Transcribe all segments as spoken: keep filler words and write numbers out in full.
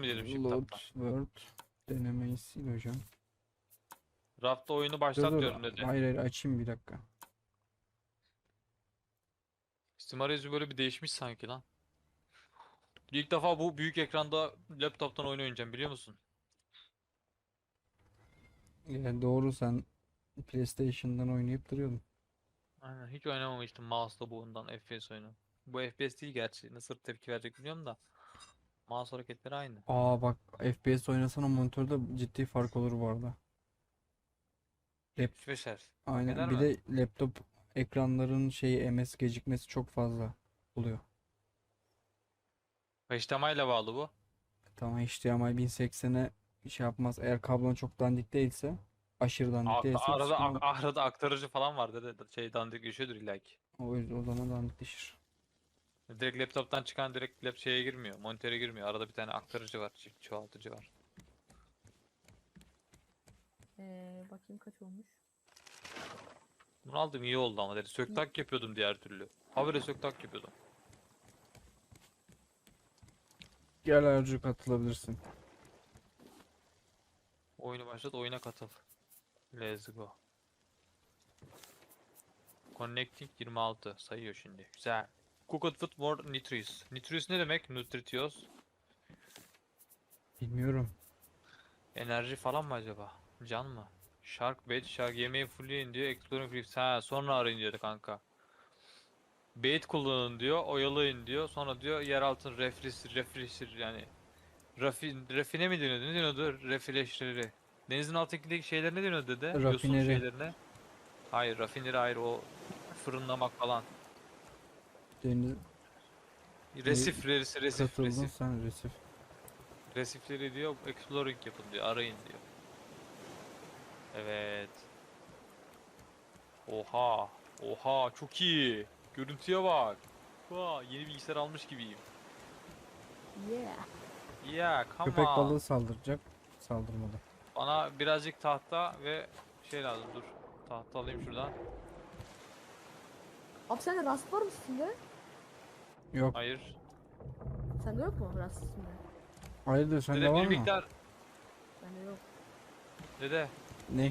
diyelim shift Load tab'dan? Word denemeyi sil hocam. Rafta oyunu Dur başlat dur. diyorum dedi. Hayır hayır açayım bir dakika. Steam arayüzü böyle bir değişmiş sanki lan. İlk defa bu büyük ekranda laptop'tan oyun oynayacağım biliyor musun? Yani doğru, sen PlayStation'dan oynayıp duruyordun. Aynen hiç oynamamıştım mouse'la bu ondan F P S oyunu. Bu F P S değil gerçi. Nasıl tepki verecek biliyorum da. Mouse hareketleri aynı. Aa bak, F P S oynasan o monitörde ciddi fark olur bu arada. Lap, yetmiş beş Hz. Fark eder aynen, bir mi? de laptop ekranların şeyi M S gecikmesi çok fazla oluyor. H D M I ile bağlı bu. Tamam, H D M I bin seksene şey yapmaz. Eğer kablon çok dandik değilse, aşırı dandik Ak- değilse bir Arada sıkıntı ak- olmaz. arada aktarıcı falan var dedi. Şey dandik geçiyordur illa ki. O yüzden o zaman dandikleşir. Direkt laptop'tan çıkan direkt lap şeye girmiyor. Monitöre girmiyor. Arada bir tane aktarıcı var. Çift çoğaltıcı var. Ee, bakayım kaç olmuş. Bunu aldım iyi oldu ama dedi. Söktak yapıyordum diğer türlü. Habire söktak yapıyordum. Gel Ercü, katılabilirsin. Oyunu başlat, oyuna katıl. Let's go. Connecting yirmi altı sayıyor şimdi. Güzel. Cooked food more nutritious. Nutritious ne demek? Nutritious. Bilmiyorum. Enerji falan mı acaba? Can mı? Shark bait, shark yemeği fullleyin diyor. Exploring reefs. Ha sonra arayın diyor kanka. Bait kullanın diyor, oyalayın diyor. Sonra diyor yer altın reflis, refresher yani rafin, rafine mi deniyordu? Ne deniyordu? Refleşleri. Denizin altındaki şeyler ne deniyordu dede? Yosun Rafineri. şeylerine. Hayır, rafineri hayır o fırınlamak falan. Deniz Resif, resif, resif, katıldın resif. sen, resif. Resifleri diyor, exploring yapın diyor, arayın diyor. Evet. Oha, oha çok iyi. Görüntüye bak. Vaa, yeni bilgisayar almış gibiyim. Yeah. Yeah, come Köpek on. balığı saldıracak. Saldırmadı. Bana birazcık tahta ve şey lazım dur. Tahta alayım şuradan. Abi sende rast var mı üstünde? Yok. Hayır. Sende yok mu rast üstünde? Hayırdır, sende Dede var bir mı? miktar. Bende yok. Dede. Ne?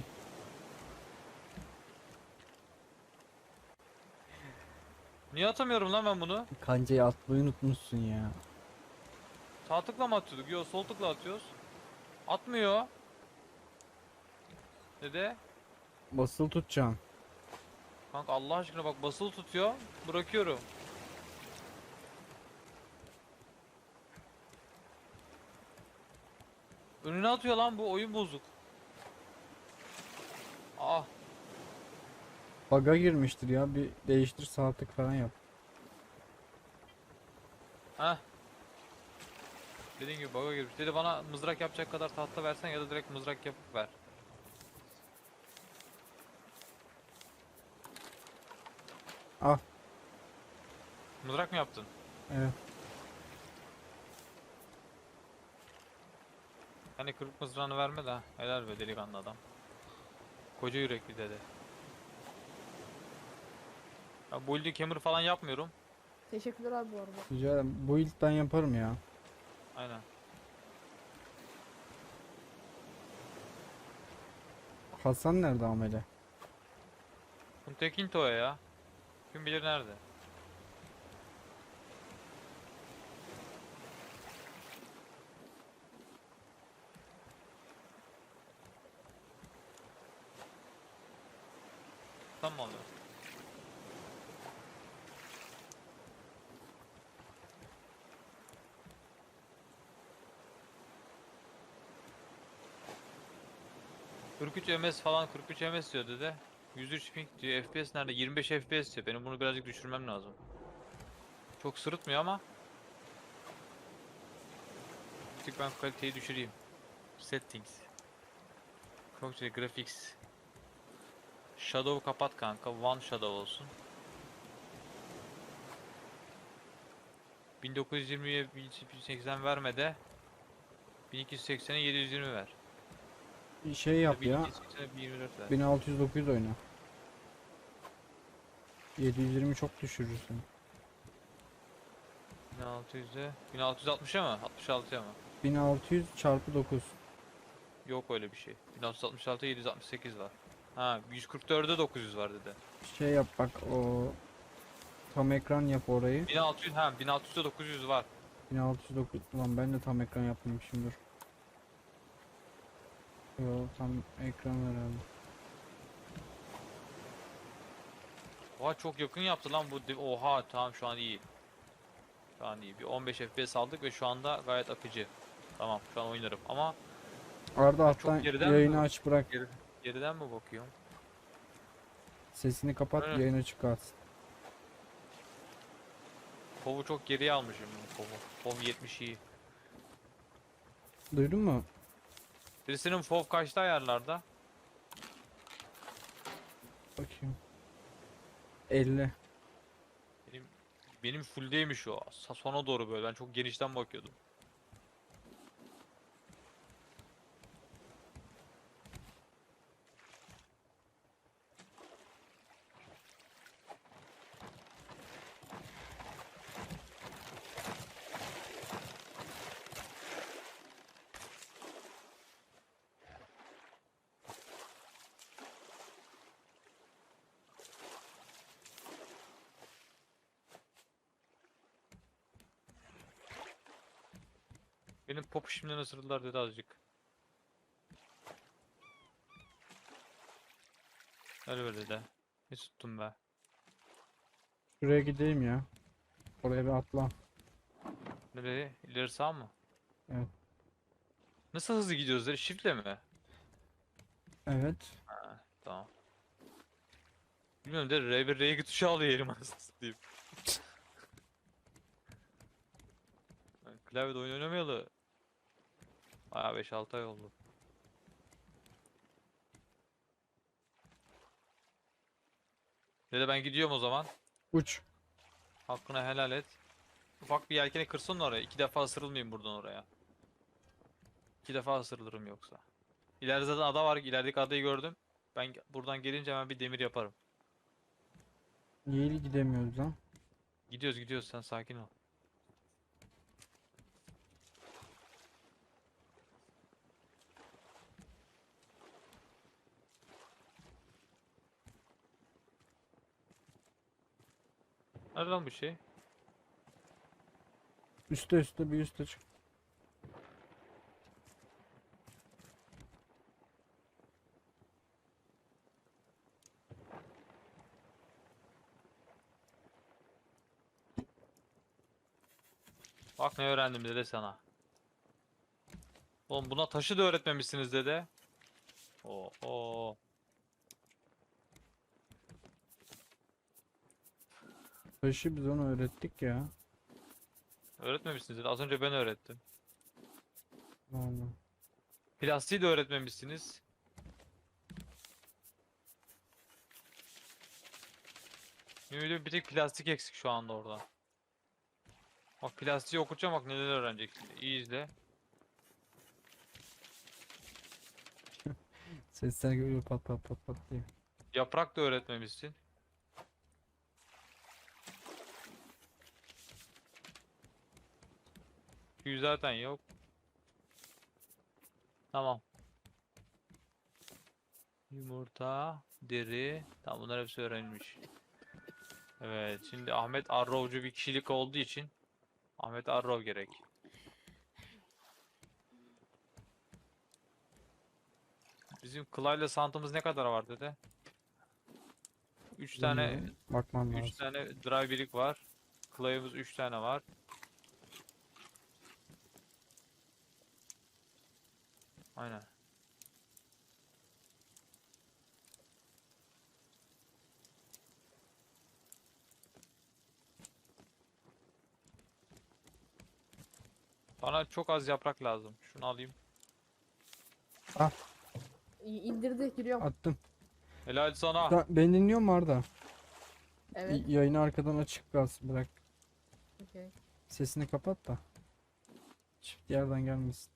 Niye atamıyorum lan ben bunu? Kancayı atmayı unutmuşsun ya. Sağ tıkla mı atıyorduk? Yok sol tıkla atıyoruz. Atmıyor. Dede. Basılı tutacaksın. Kanka Allah aşkına bak basılı tutuyor. Bırakıyorum. Önüne atıyor lan bu oyun bozuk. Ah. Bug'a girmiştir ya. Bir değiştir, sağ tık falan yap. Heh. Dediğim gibi bug'a girmiş. Dedi bana mızrak yapacak kadar tahta versen ya da direkt mızrak yapıp ver. Al. Mızrak mı yaptın? Evet. Hani kırık mızrağını verme de. Helal be delikanlı adam. Koca yürekli dede. Ya build'i hammer falan yapmıyorum. Teşekkürler abi bu arada. Rica ederim. Bu ilkten yaparım ya. Aynen. Hasan nerede amele? Kuntekinto'ya ya. Kim bilir nerede? Tamam oluyor. kırk üç M S falan kırk üç M S diyor dede. yüz üç ping diyor. F P S nerede? yirmi beş F P S diyor. Benim bunu birazcık düşürmem lazım. Çok sırıtmıyor ama. Bir tık ben kaliteyi düşüreyim. Settings. Çok şey graphics. Shadow kapat kanka. One shadow olsun. bin dokuz yüz yirmiye bin iki yüz seksen verme de bin iki yüz seksene yedi yüz yirmi ver. Bir şey Ya yap ya. bin iki yüz seksene bin yirmi dört ver. bin altı yüz dokuz oyna. yedi yüz yirmi çok düşürürsün. bin altı yüze bin altı yüz altmışa mı? altmış altıya mı? bin altı yüz çarpı dokuz. Yok öyle bir şey. bin altı yüz altmış altı yedi yüz altmış sekiz var. Ha yüz kırk dörde dokuz yüz var dedi. Şey yap bak, o tam ekran yap orayı. bin altı yüz ha bin altı yüzde dokuz yüz var. bin altı yüz dokuz. Ulan ben de tam ekran yapmamışım, dur. Yo, tam ekran herhalde. Oha çok yakın yaptı lan bu. di- Oha tamam şu an iyi. Şu an iyi. Bir on beş F P S aldık ve şu anda gayet akıcı. Tamam şu an oynarım ama Arda Ha, çok alttan geriden yayını mi? aç bırak. geri, geriden mi bakıyorum? Sesini kapat, Evet. yayın açık kalsın. Kov'u çok geriye almışım Kov'u. Kov yetmiş iyi. Duydun mu? Birisinin F O V kaçta ayarlarda? Bakayım. elli. Benim benim fulldeymiş o. Sa- Sona doğru böyle. Ben çok genişten bakıyordum. Benim popu şimdiden ısırdılar dedi azıcık. Öyle öyle de. Ne tuttum be. Şuraya gideyim ya. Oraya bir atla. Nereye? İleri sağ mı? Evet. Nasıl hızlı gidiyoruz dedi? Shift'le mi? Evet. Ha, tamam. Bilmiyorum de R bir R iki tuşu alıyor elim anasını satayım. Ben klavyede oyun oynamayalı. Bayağı beş altı ay oldu. Dede ben gidiyorum o zaman. Uç. Hakkını helal et. Ufak bir yelkeni kırsın oraya. İki defa ısırılmayayım buradan oraya. İki defa ısırılırım yoksa. İleride zaten ada var. İlerideki adayı gördüm. Ben ge- buradan gelince hemen bir demir yaparım. Niye gidemiyoruz lan? Gidiyoruz gidiyoruz sen sakin ol. Nerede lan bu şey? Üste üste, bir üste çık. Bak ne öğrendim dede sana. Oğlum buna taşı da öğretmemişsiniz dede. Oo. Taşı biz onu öğrettik ya. Öğretmemişsiniz dede. Az önce ben öğrettim. Vallahi. Plastiği de öğretmemişsiniz. Ümidi bir tek plastik eksik şu anda orada. Bak plastiği okutacağım bak neler öğreneceksin. İyi izle. Sesler geliyor pat pat pat pat diye. Yaprak da öğretmemişsin. Tüy zaten yok. Tamam. Yumurta, deri. Tamam bunlar hepsi öğrenilmiş. Evet şimdi Ahmet Arrovcu bir kişilik olduğu için Ahmet Arrov gerek. Bizim Kılay'la Santımız ne kadar var dede? üç tane Bilmiyorum, bakmam üç lazım. tane drive birik var. Kılay'ımız üç tane var. Aynen. Bana çok az yaprak lazım. Şunu alayım. İ- İndirdi giriyorum. Attım. Helal sana. Da, beni dinliyor mu Arda? Evet. Y- Yayını arkadan açık kalsın, bırak. Okey. Sesini kapat da. Çift yerden gelmesin.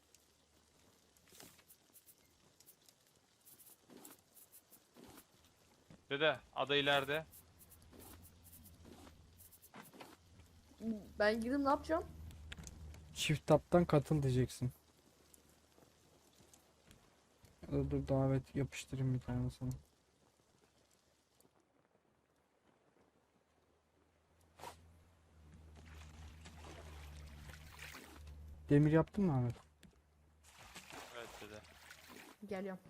Dede ada ileride. Ben girdim ne yapacağım? Çift taptan katıl diyeceksin. Ya da dur davet yapıştırayım bir tane sana. Demir yaptın mı Ahmet? Evet dede. Geliyorum.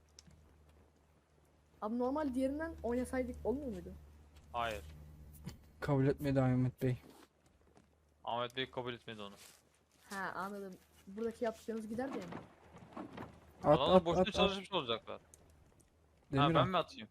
Abi normal diğerinden oynasaydık olmuyor muydu? Hayır. Kabul etmedi Ahmet Bey. Ahmet Bey kabul etmedi onu. Ha anladım. Buradaki yaptıklarınız gider diye mi? At Adamlar at boşuna at at. çalışmış olacaklar. Demir Ha ben al. mi atayım?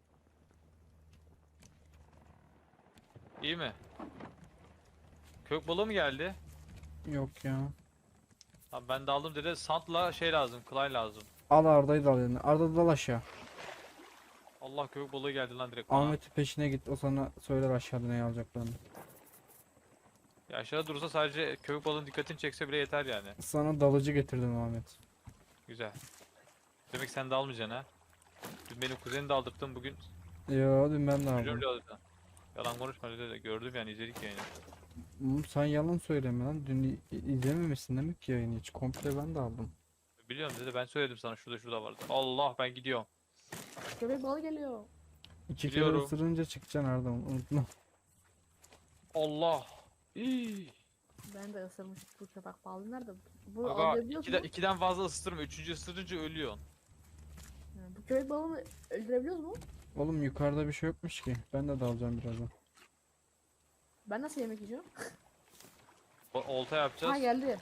İyi mi? Kök balığı mı geldi? Yok ya. Ha ben de aldım dede. Sant'la şey lazım. Clay lazım. Al Arda'yı da al eline. Arda dal aşağı. Allah kök balığı geldi lan direkt bana. Ahmet'in peşine git. O sana söyler aşağıda neyi alacaklarını. Ya aşağıda durursa sadece kök balığın dikkatini çekse bile yeter yani. Sana dalıcı getirdim Ahmet. Güzel. Demek sen de almayacaksın ha. Dün benim kuzeni de aldırttın bugün. Ya dün ben de Çocuğum aldım. bile aldırdın. Yalan konuşma dede. Gördüm yani izledik yayını. Oğlum sen yalan söyleme lan. Dün i- izlememişsin demek ki yayını hiç. Komple ben de aldım. Biliyorum dede ben söyledim sana şurada şurada vardı. Allah ben gidiyorum. Köpek balığı geliyor. İki kere Biliyorum. ısırınca çıkacaksın Arda, unutma. Allah. İyi. Ben de ısırmış bu köpek balığı nerede? Bu Aga alabiliyoruz ikiden, mu? ikiden fazla ısıtırma. Üçüncü ısırınca ölüyorsun. Ha, bu köpek balığını öldürebiliyoruz mu? Oğlum yukarıda bir şey yokmuş ki. Ben de dalacağım birazdan. Ben nasıl yemek yiyeceğim? O- Olta Ha yapacağız. geldi.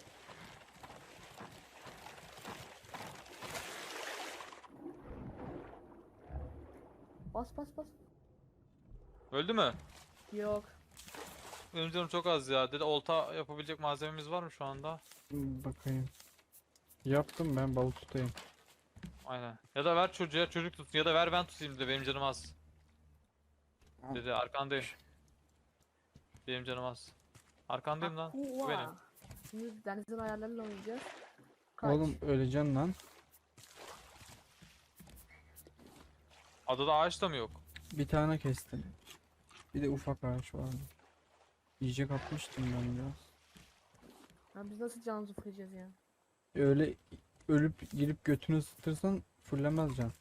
Bas bas bas. Öldü mü? Yok. Benim canım çok az ya. Dede olta yapabilecek malzememiz var mı şu anda? Hmm, bakayım. Yaptım ben, balık tutayım. Aynen. Ya da ver çocuğa çocuk tutsun ya da ver ben tutayım de benim canım az. Al. Dede arkandayım. Benim canım az. Arkandayım lan. Bu benim. Akua. Şimdi denizin ayarlarıyla oynayacağız. Kaç. Oğlum öleceksin lan. Adada ağaç da mı yok? Bir tane kestim. Bir de ufak ağaç vardı. Yiyecek atmıştım ben biraz. Ya biz nasıl canımızı fırlayacağız ya? Öyle ölüp girip götünü ısıtırsan fullemez can.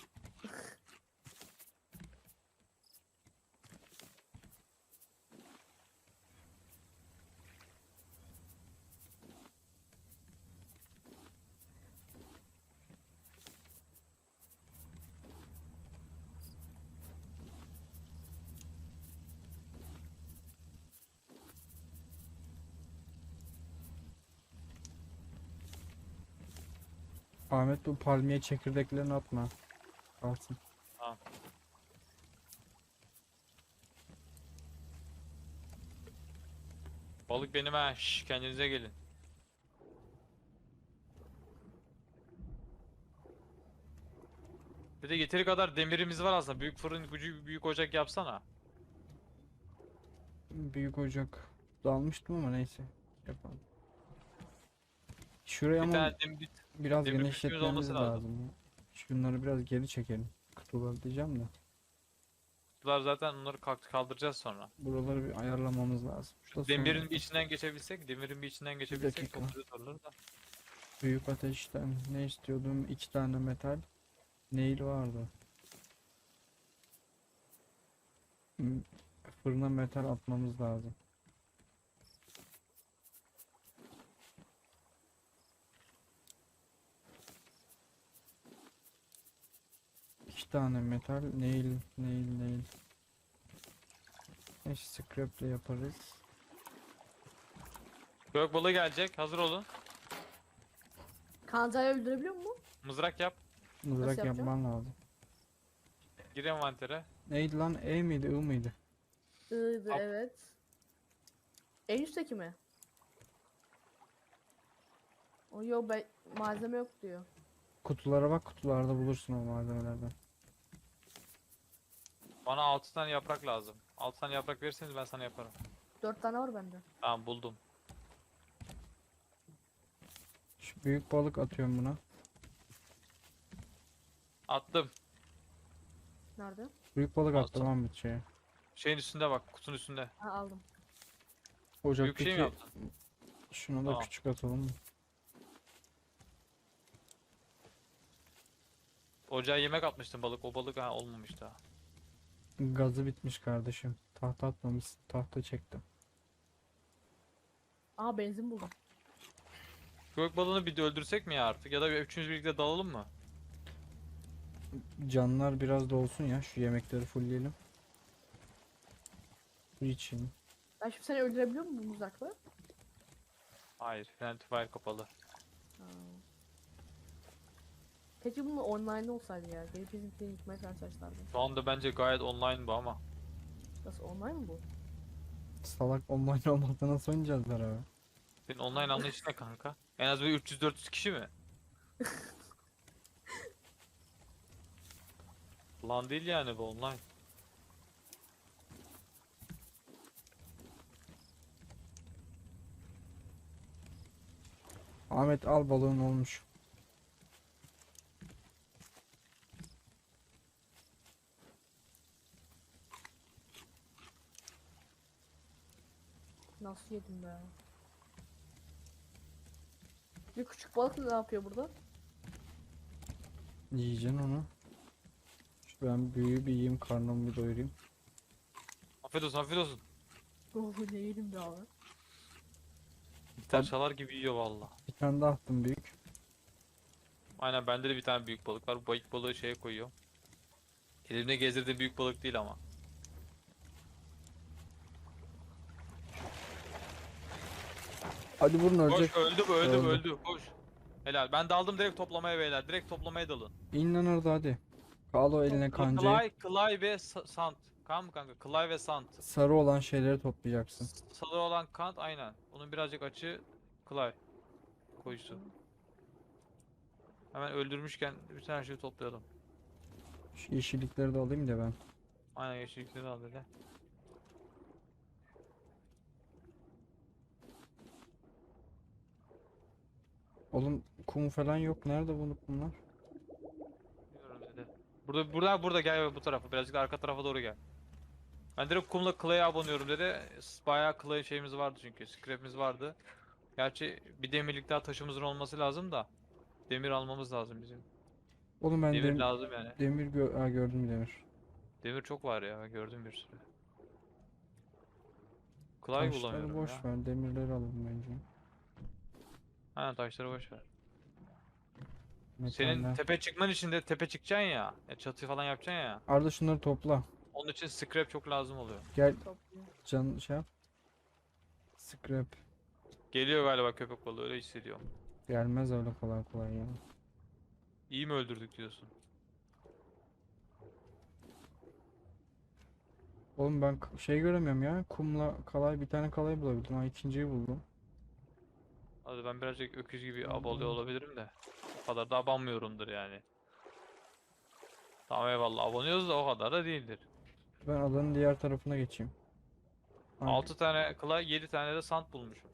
Ahmet bu palmiye çekirdeklerini atma. Kalsın. Tamam. Balık benim ha. Şş, kendinize gelin. Bir de yeteri kadar demirimiz var aslında. Büyük fırın gücü büyük ocak yapsana. Büyük ocak dalmıştım ama neyse. Yapalım. Şuraya Bir ama tane demir, biraz demir genişletmemiz olması lazım. lazım. ya. Şunları biraz geri çekelim. Kutuları diyeceğim de. kutular zaten onları kalk- kaldıracağız sonra. Buraları bir ayarlamamız lazım. Şu Da demirin sonra bir içinden geçebilsek, demirin bir içinden geçebilsek dakika. çok güzel olur da. büyük ateşten ne istiyordum? İki tane metal. Nail vardı. Hmm, Fırına metal atmamız lazım. İki tane metal. Nail, nail, nail. Neyse scrap'le yaparız. Gök balığı gelecek. Hazır olun. Kancayı öldürebiliyor mu? Mızrak yap. Mızrak yapacağım? yapman lazım. Gir envantere. Neydi lan? E miydi? I mıydı? Iyiydi Al. evet. En üstteki mi? O yok be malzeme yok diyor. Kutulara bak, kutularda bulursun o malzemelerden. Bana altı tane yaprak lazım. altı tane yaprak verirseniz ben sana yaparım. Dört tane var bende. Tamam buldum. Şu büyük balık atıyorum buna. Attım. Nerede? Büyük balık Al attım sana. Ahmet şeye. Şeyin üstünde bak, kutunun üstünde. Ha aldım. Büyük bir Ocaktaki şey mi yaptın? Şunu da Tamam. küçük atalım mı? Ocağa yemek atmıştım balık. O balık ha olmamış daha. Gazı bitmiş kardeşim. Tahta atmamışsın. Tahta çektim. Aa benzin buldum. Gök balığını bir de öldürsek mi ya artık? Ya da bir üçümüz birlikte dalalım mı? Canlar biraz da olsun ya. Şu yemekleri fullleyelim. Bu için. Ben şimdi seni öldürebiliyor muyum bu mızrakla? Hayır. Friendly Fire kapalı. Ha. Keşke bunun online olsaydı ya. Gelip bizimkileri yıkmaya çalışlardı. Şu anda bence gayet online bu ama. Nasıl online mı bu? Salak online olmadan nasıl oynayacağız beraber? Senin online anlayışın ne kanka? En az bir üç yüz dört yüz kişi mi? Lan değil yani bu online. Ahmet al balığın olmuş. Nasıl yedim be? Bir küçük balık ne yapıyor burada? Yiyeceksin onu. Şu ben büyüğü bir yiyeyim, karnımı bir doyurayım. Afiyet olsun, afiyet olsun. Oh ne yedim be abi. Gitar çalar gibi yiyor valla. Bir tane daha attım büyük. Aynen bende de bir tane büyük balık var. Bu büyük balığı şeye koyuyor. Elimde gezdirdiğim büyük balık değil ama. Hadi vurun, ölecek. Koş öldü bu öldü bu Öldü. öldü. Koş. Helal. Ben daldım direkt toplamaya beyler. Direkt toplamaya dalın. İn lan orada hadi. Al o eline kancayı. Clay, Clay ve Sa- Sant. Kan mı kanka? Clay ve Sant. Sarı olan şeyleri toplayacaksın. Sarı olan kant aynen. Onun birazcık açı Clay. Koyusu. Hemen öldürmüşken bütün her şeyi toplayalım. Şu yeşillikleri de alayım da ben. Aynen yeşillikleri al böyle. Oğlum kum falan yok. Nerede bunu bunlar? Bilmiyorum dedi. Burada burada burada gel bu tarafa. Birazcık da arka tarafa doğru gel. Ben direkt kumla Clay'e abonuyorum dedi. Bayağı Clay şeyimiz vardı çünkü. Scrap'imiz vardı. Gerçi bir demirlik daha taşımızın olması lazım da. Demir almamız lazım bizim. Oğlum ben Demir dem- lazım yani. demir gö ha, gördüm demir. Demir çok var ya. Ben gördüm bir sürü. Clay Taşları bulamıyorum boş ya. ver. Demirleri alalım bence. Aynen taşları boş ver. Metaller. Senin tepe çıkman için de tepe çıkacaksın ya. Ya çatı falan yapacaksın ya. Arda şunları topla. Onun için scrap çok lazım oluyor. Gel Topluyor. can şey yap. Scrap. Geliyor galiba köpek balığı öyle hissediyorum. Gelmez öyle kolay kolay ya. İyi mi öldürdük diyorsun? Oğlum ben k- şey göremiyorum ya. Kumla kalay, bir tane kalay bulabildim. Ha, ikinciyi buldum. Hadi ben birazcık öküz gibi Tamam. abalıyor olabilirim de. O kadar da abanmıyorumdur yani. Tamam eyvallah abanıyoruz da o kadar da değildir. Ben adanın diğer tarafına geçeyim. Ha, altı tane clay, yedi tane de sand bulmuşum.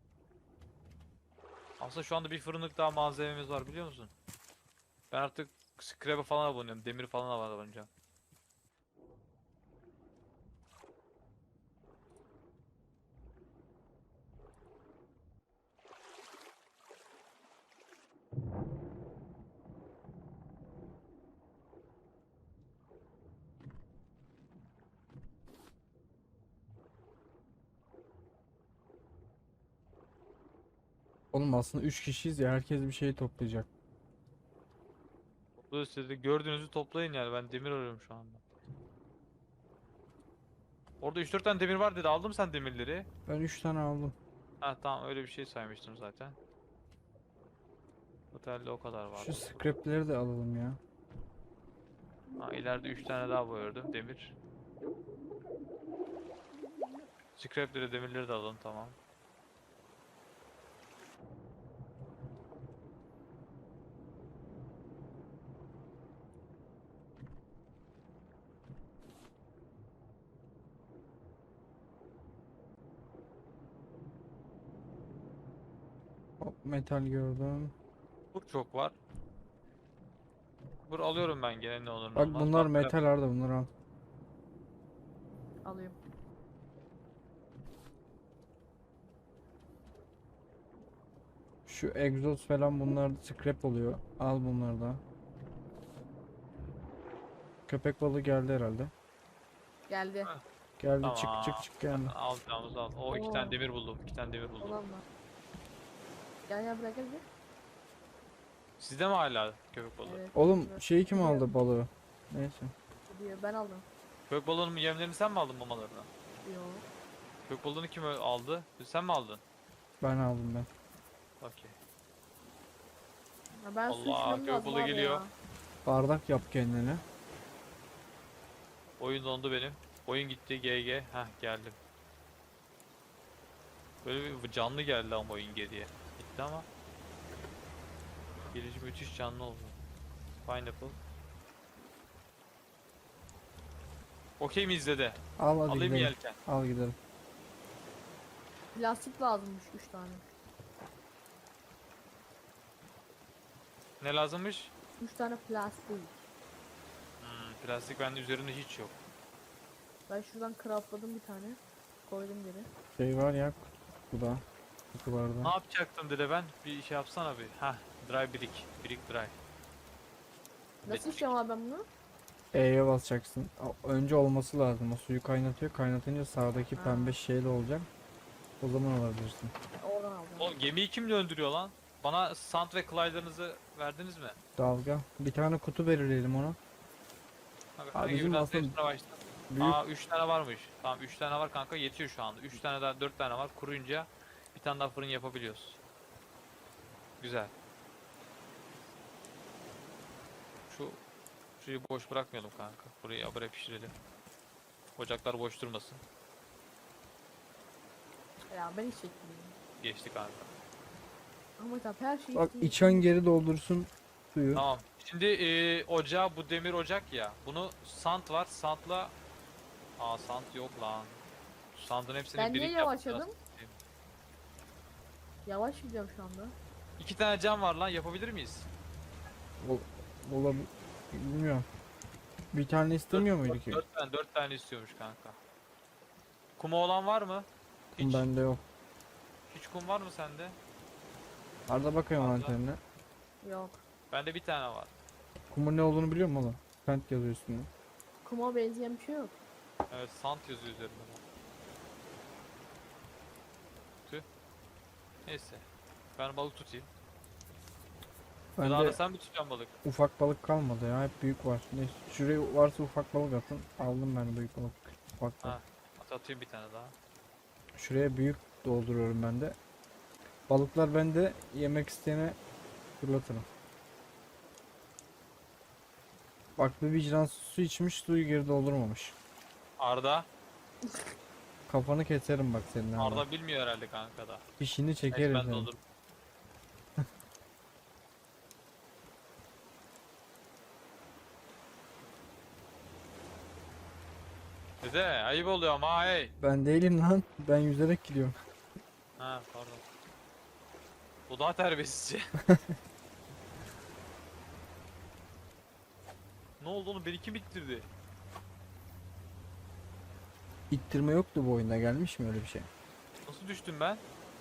Aslında şu anda bir fırınlık daha malzememiz var biliyor musun? Ben artık scrap'e falan abonuyorum. Demir falan abonacağım. oğlum aslında üç kişiyiz ya. Herkes bir şey toplayacak. Bu siz de gördüğünüzü toplayın yani. Ben demir arıyorum şu anda. Orada üç dört tane demir var dedi. Aldın mı sen demirleri? Ben üç tane aldım. Ha tamam öyle bir şey saymıştım zaten. Otelde o kadar Şu vardı. scrapleri de alalım ya. Ha ileride üç tane daha gördüm demir. Scrapleri demirleri de alalım tamam. Hop, metal gördüm. Bur çok var. Bur alıyorum ben gene ne olur ne Bak olmaz. bunlar Bak, metal Arda, bunları al. Alayım. Şu egzoz falan bunlar scrap oluyor. Al bunları da. Köpek balığı geldi herhalde. Geldi. Geldi çık Tamam. çık çık geldi. Alacağımız al. O iki tane Oo. demir buldum. iki tane demir buldum. Olan var. Gel gel bırak gel. gel. Sizde mi hala köpek balığı? Evet. Oğlum evet. şeyi kim Gidiyor, aldı balığı? Neyse. gidiyor. Ben aldım. Köpek balığının yemlerini sen mi aldın mamalarını? Yo. Köpek balığını kim ö- aldı? Sen mi aldın? Ben aldım ben. Okey. Ya ben su Allah, içmem köpek lazım balığı abi geliyor. ya. Bardak yap kendine. Oyun dondu benim. Oyun gitti G G. Heh geldim. Böyle bir canlı geldi ama oyun geriye. Gitti ama. Gelici müthiş canlı oldu. Pineapple. Okey mi izledi? Al hadi Alayım gidelim. yelken. Al gidelim. Plastik lazımmış üç tane. Ne lazımmış? üç tane plastik. Hmm, plastik bende üzerinde hiç yok. Ben şuradan craftladım bir tane. Koydum geri. Şey var ya kutuda. Ne Kutularda. yapacaktım dede ben? Bir şey yapsana bir. Heh, dry brick. Brick dry. Nasıl içeceğim abi ben bunu? E'ye basacaksın. O- Önce olması lazım. O suyu kaynatıyor. Kaynatınca sağdaki Ha. pembe şeyli olacak. O zaman alabilirsin. Oradan aldım. O gemiyi kim döndürüyor lan? Bana sand ve Clyde'larınızı verdiniz mi? Dalga. Bir tane kutu belirleyelim ona. Abi, Abi hangi bizim birinden aslında seçmeye başla. Büyük Aa üç tane varmış. Tamam üç tane var kanka yetiyor şu anda. üç tane daha dört tane var. Kuruyunca bir tane daha fırın yapabiliyoruz. Güzel. Şu şurayı boş bırakmayalım kanka. Burayı habire pişirelim. Ocaklar boş durmasın. Ya ben hiç çekmiyorum. Geçti kanka. Ama tabii her şey bak içtiğim içen için- geri doldursun suyu. Tamam. Şimdi e, ocağı bu demir ocak ya. Bunu sand var. Sandla Aa sand yok lan. Sandın hepsini Ben niye birik yavaşladım? yapacağız. Yavaş gidiyorum şu anda. İki tane cam var lan yapabilir miyiz? Olabilir. Bilmiyorum. Bir tane istemiyor muydu ki? Dört tane, dört tane istiyormuş kanka. Kuma olan var mı? Hiç, Bende yok. hiç kum var mı sende? Arada bakıyorum Arda. antenine. Yok. Bende bir tane var. Kumun ne olduğunu biliyor musun oğlum? Kent yazıyor üstünde. Kuma benzeyen bir şey yok. Evet sand yazıyor üzerinde. Tüh. Neyse. Ben balık tutayım. Ben Bende sen mi tutacaksın balık? ufak balık kalmadı ya. Hep büyük var. Neyse. Şuraya varsa ufak balık atın. Aldım ben büyük balık. Ufak balık. Ha. At atayım bir tane daha. Şuraya büyük dolduruyorum ben de. Balıklar bende, yemek isteyene fırlatırım. Bak bir vicdansız su içmiş, suyu geri doldurmamış. Arda. Kafanı keserim bak senin abi. Arda bilmiyor herhalde kanka da. Fişini Neyse çekerim ben seni. doldururum. Dede ayıp oluyor ama hey. Ben değilim lan. Ben yüzerek gidiyorum. Ha pardon. Bu daha terbiyesizce. Ne oldu oğlum beni kim ittirdi? İttirme yoktu bu oyunda, gelmiş mi öyle bir şey? Nasıl düştüm ben?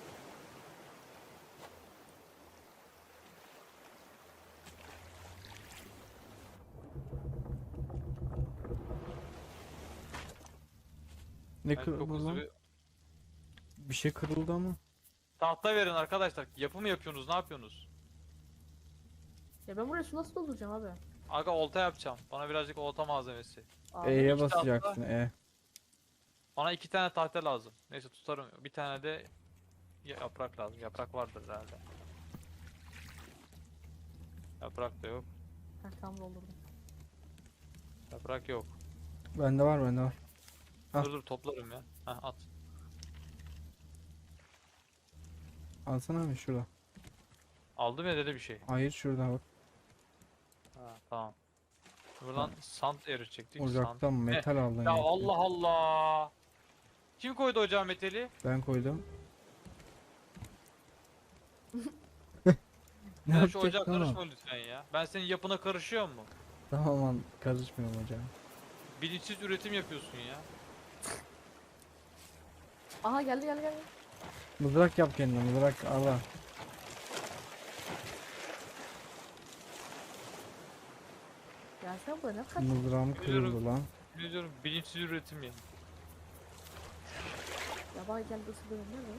Ne Ben çok kırıldı hızlı lan? bir... Bir şey kırıldı ama. Tahta verin arkadaşlar. Yapı mı yapıyorsunuz? Ne yapıyorsunuz? Ya ben buraya su nasıl dolduracağım abi? Aga olta yapacağım. Bana birazcık olta malzemesi. Abi. E'ye iki tahta. basacaksın. E. Bana iki tane tahta lazım. Neyse tutarım. Bir tane de ya- yaprak lazım. Yaprak vardır herhalde. Yaprak da yok. Ha, tam doldurdum. Yaprak yok. Bende var, bende var. Ah. Dur dur toplarım ya. Heh, at. Alsana abi şurada. Aldım ya dedi bir şey. Hayır şurada bak. Ha, tamam. Buradan sand eritecektik. Sand. Ocaktan metal aldın Ya ya. Allah Allah. Kim koydu ocağa metali? Ben koydum. Ne Sen şu ocağa yapacaksın oğlum? karışma lütfen ya. Ben senin yapına karışıyor mu? Tamam lan, karışmıyorum hocam. Bilinçsiz üretim yapıyorsun ya. Aha geldi geldi geldi. Mızrak yap kendine, mızrak Allah. Gelsene buraya, ne kaç? Mızrağım kırıldı lan. Ne diyorum, bilinçsiz üretim yani. Ya bak gel ısırırım değil mi?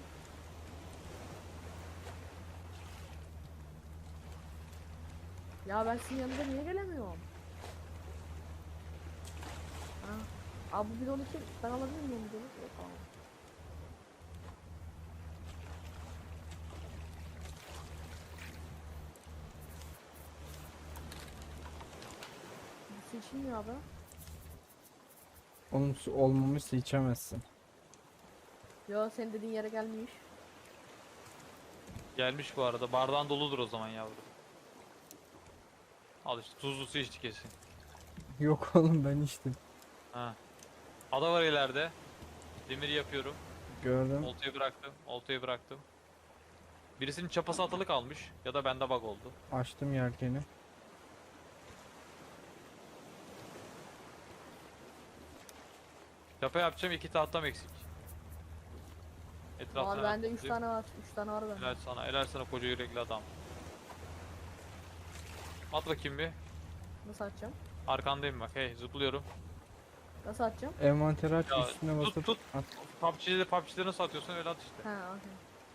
Ya ben sizin yanında niye gelemiyorum? Ha. Abi bu bidonu kim? Ben alabilir miyim bidonu? Yok tamam. Bu su içilmiyor abi. Onun su olmamışsa içemezsin. Yo senin dediğin yere gelmiş. Gelmiş bu arada. Bardağın doludur o zaman yavrum. Al işte, tuzlu su içti kesin. Yok oğlum, ben içtim. Ha. Ada var ileride. Demir yapıyorum. Gördüm. Oltayı bıraktım. Oltayı bıraktım. Birisinin çapası atalı kalmış. Ya da bende bug oldu. Açtım yelkeni. Çapa yapacağım, iki tahtam eksik. Var Etrafına bende üç toplayayım. tane var. üç tane var bende. Helal sana, helal sana koca yürekli adam. At bakayım bir. Nasıl atacağım? Arkandayım bak. Hey, zıplıyorum. Nasıl atacağım? Envanter aç, Ya, üstüne tut, basıp tut. at. P U B G'de P U B G'de nasıl atıyorsun öyle at işte. Ha okey.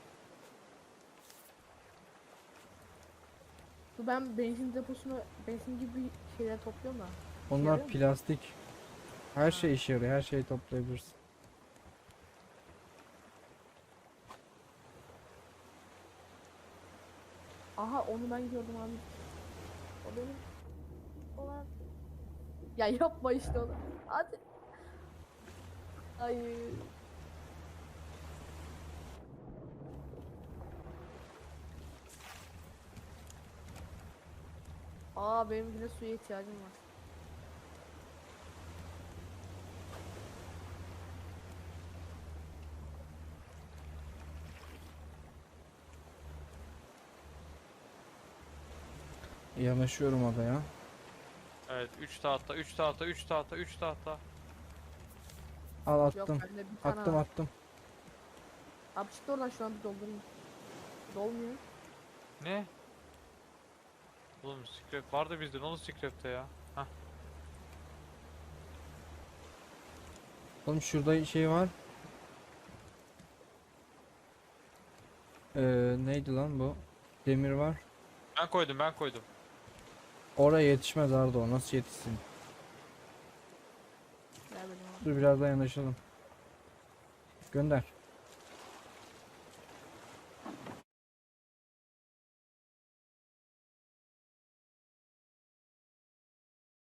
Bu ben benzin deposuna benzin gibi bir şeyler topluyorum da. Onlar Yarıyor mu? plastik. Her şey işe yarıyor. Her şeyi toplayabilirsin. Aha onu ben gördüm abi. O benim. Olan. Ya yapma işte onu. Hadi. Hayır. Aa benim yine suya ihtiyacım var. Yanaşıyorum adaya. Evet, üç tahta, üç tahta, üç tahta, üç tahta. Al Yok attım. bende bir tane Attım var. attım. Abi çık oradan şu an bir doldurayım. Dolmuyor. Ne? Oğlum scrap vardı bizde, ne oldu scrap'te ya? Hah. Oğlum şurada şey var. Ee, neydi lan bu? Demir var. Ben koydum, ben koydum. Oraya yetişmez Arda, o nasıl yetişsin? Gel benim abi. Dur biraz daha yanaşalım. Gönder.